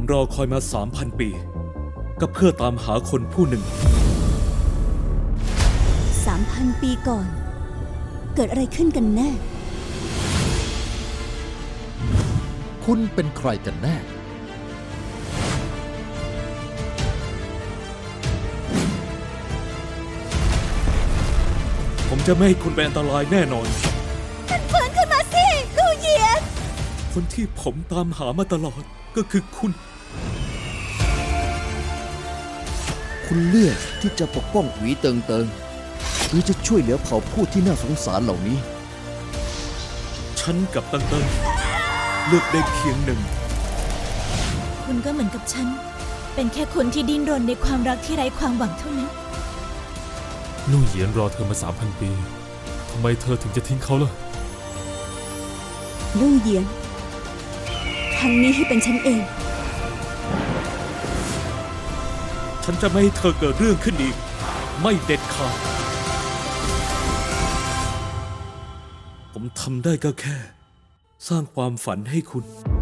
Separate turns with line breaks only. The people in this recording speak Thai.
รอคอยมา 3,000 ปีก็เพื่อตามหาคนผู้หนึ่ง
3,000 ปีก่อน เกิดอะไรขึ้นกันแน่
คุณเป็นใครกันแน่
ผมจะไม่ให้คุณเป็นอันตรายแน่นอน
ฟื้นขึ้นมาสิลู่เหยียน
คนที่ผมตามหามาตลอดก็คือคุณ
คุณเลือกที่จะปกป้องหวีเติงเติงหรือจะช่วยเหลือเผ่าผู้ที่น่าสงสารเหล่านี้
ฉันกับตังเติงเลือกได้เพียงหนึ่ง
คุณก็เหมือนกับฉัน เป็นแค่คนที่ดิ้นรนในความรักที่ไร้ความหวังเท่านั้น
ลู่เหยียนรอเธอมา 3,000 ปี ทำไมเธอถึงจะทิ้งเขาล่ะ
ลู่เหยียน ครั้งนี้ให้เป็นฉันเอง
ฉันจะไม่ให้เธอเกิดเรื่องขึ้นอีก ไม่เด็ดขาด ผมทำได้ก็แค่ สร้างความฝันให้คุณ